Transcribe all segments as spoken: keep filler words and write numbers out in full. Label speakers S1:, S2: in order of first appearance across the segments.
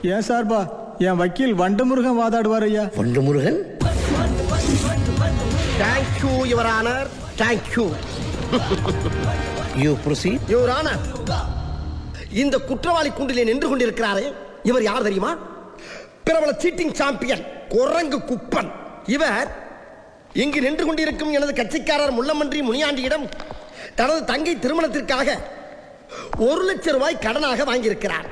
S1: ஏன் சார்பா என் வக்கீல் வண்டமுருகன் வாதாடுவார் ஐயா.
S2: Vandamurugan?
S3: Thank you your honour, thank you.
S2: You proceed.
S3: Your honour, இந்த குற்றவாளி கூண்டிலே நின்று கொண்டிருக்கிறாரே, இவர் யார் தெரியுமா? பிரபல சீட்டிங் சாம்பியன் குரங்கு குப்பன். இவர் இங்கு நின்று கொண்டிருக்கும் எனது கட்சிக்காரர் முள்ளமன்றி முனியாண்டியிடம் தனது தங்கை திருமணத்திற்காக ஒரு லட்சம் ரூபாய் கடனாக வாங்கியிருக்கிறார்.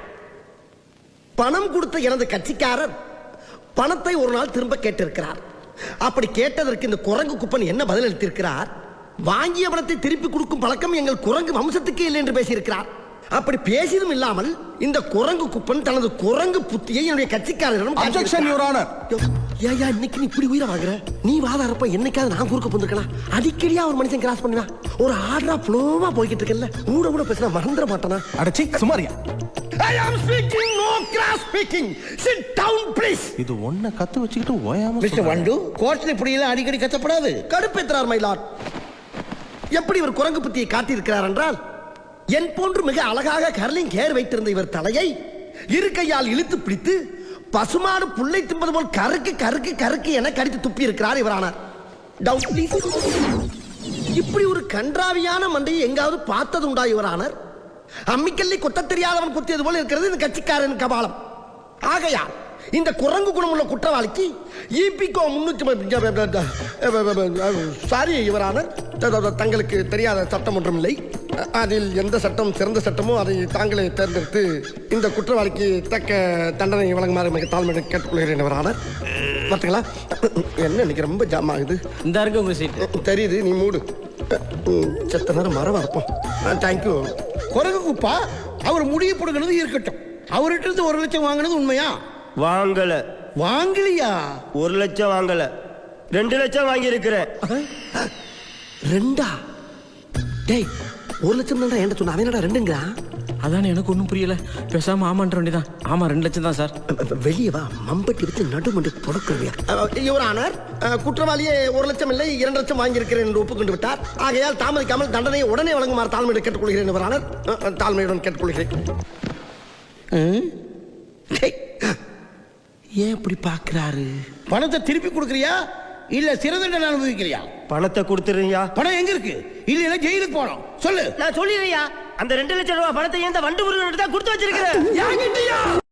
S3: பணம் கொடுத்த எனது கட்சிக்காரர் பணத்தை ஒரு நாள் திரும்ப கேட்டிருக்கிறார். அப்படி கேட்டதற்கு இந்த குரங்கு குப்பன் என்ன பதில் அளித்திருக்கிறார்? வாங்கிய பணத்தை திருப்பி கொடுக்கும் பழக்கம் எங்கள் குரங்கு வம்சத்துக்கு இல்லை என்று பேசியிருக்கிறார். அப்படி பேசியதும் இல்லாமல் இந்த குரங்கு குப்பன் தனது குரங்கு புத்தியை என்னுடைய கட்சிக்காரரிடம்
S1: அப்ஜெக்ஷன் யுவர் ஆனர்.
S3: ஏயா இன்னைக்கு நீ இப்படி உயிரை வாங்குற? நீ வாதாரப்ப என்னைக்காவது நான் குறுக்க போந்திருக்கா? அடிக்கடியா ஒரு மனுஷன் கிராஸ் பண்ணுவா. ஒரு ஆர்டரா ஃப்ளோவா போய்கிட்டு இருக்கல, கூட கூட பேசினா மறந்துட மாட்டானா?
S1: அடச்சி சுமாரியா.
S3: I am speaking, no cross speaking. Sit down please.
S1: இது ஒண்ண கத்து வச்சுக்கிட்டு ஓயாம
S2: மிஸ்டர் வண்டு, கோர்ட்ல இப்படி எல்லாம் அடிக்கடி கத்தப்படாது.
S3: கடுப்பேற்றார் மை லார்ட். எப்படி இவர் குரங்கு புத்தியை காட்டியிருக்கிறார் என்றால், என் போன்று மிக அழகாக கர்லிங் ஹேர் வைத்திருந்த இவர் தலையை இரு கையால் இழுத்து பிடித்து பசுமாடு புல்லை தின்பது போல் கருக்கு கருக்கு கருக்கு என கடித்து துப்பி இருக்கிறார் இவரானார். Doubt please. இப்படி ஒரு கன்றாவியான மண்டையை எங்காவது பார்த்தது உண்டா இவரானார்? அம்மிக்கல்லை கொத்த தெரியாதவன் குத்தியது போல இருக்கிறது இந்த கட்சிக்காரன் கபாலம். ஆகையால் இந்த குரங்கு குணமுள்ள குற்றவாளிக்கு இபிகோ முன்னூத்தி சாரி யுவரானர், தங்களுக்கு தெரியாத சட்டம் ஒன்றும் இல்லை. அதில் எந்த சட்டம் சிறந்த சட்டமோ அதை தாங்களே தேர்ந்தெடுத்து இந்த குற்றவாளிக்கு தக்க தண்டனை வழங்குமாறு மிக தாழ்மையை கேட்டுக்கொள்கிறேன் யுவரானர். பார்த்தீங்களா என்ன இன்னைக்கு ரொம்ப ஜாம் ஆகுது.
S4: இந்த இருக்கு உங்க சீட்.
S3: தெரியுது, நீ மூடு. செத்த நேரம் மரம் இருப்போம். தேங்க்யூ.
S2: குரங்கு குப்பா, அவர் முடிவு போடுகிறது இருக்கட்டும். அவர்கிட்ட இருந்து ஒரு லட்சம் வாங்கினது உண்மையா?
S5: வாங்கல.
S2: வாங்கலையா?
S5: ஒரு லட்சம் வாங்கல, ரெண்டு லட்சம் வாங்கி இருக்கிறேன்.
S3: ரெண்டா? டேய், ஒரு லட்சம் தான்டா என்கிட்ட சொன்ன, அவன் என்னடா ரெண்டுங்களா?
S4: அதானே எனக்கு ஒன்றும் புரியல. பேசாம ஆமான்ற வேண்டியதான். ஆமா, ரெண்டு லட்சம் தான் சார்.
S3: வெளியே வா, மம்பட்டி வச்சு நடுமண்டு தொடக்கிறவியா. யுவர் ஆனர், குற்றவாளியே ஒரு லட்சம் இல்லை இரண்டு லட்சம் வாங்கியிருக்கிறேன் என்று ஒப்புக்கொண்டு விட்டார். ஆகையால் தாமதிக்காமல் தண்டனையை உடனே வழங்குமாறு தாழ்மையுடன் கேட்டுக்கொள்கிறேன் யுவர் ஆனர். தாழ்மையுடன் கேட்டுக்கொள்கிறேன். ஏன் இப்படி பாக்குறாரு?
S2: பணத்தை திருப்பி கொடுக்கறியா இல்ல சிறை தண்டனை அனுபவிக்கிறியா?
S5: பணத்தை கொடுத்துருங்க.
S2: பணம் எங்க இருக்கு? இல்ல ஜெயிலுக்கு போறோம். சொல்லு.
S5: நான் சொல்லிடுறியா, அந்த ரெண்டு லட்சம் ரூபாய் பணத்தை ஏன் வண்டு முருகன் தான் கொடுத்து வச்சிருக்கிறேன்.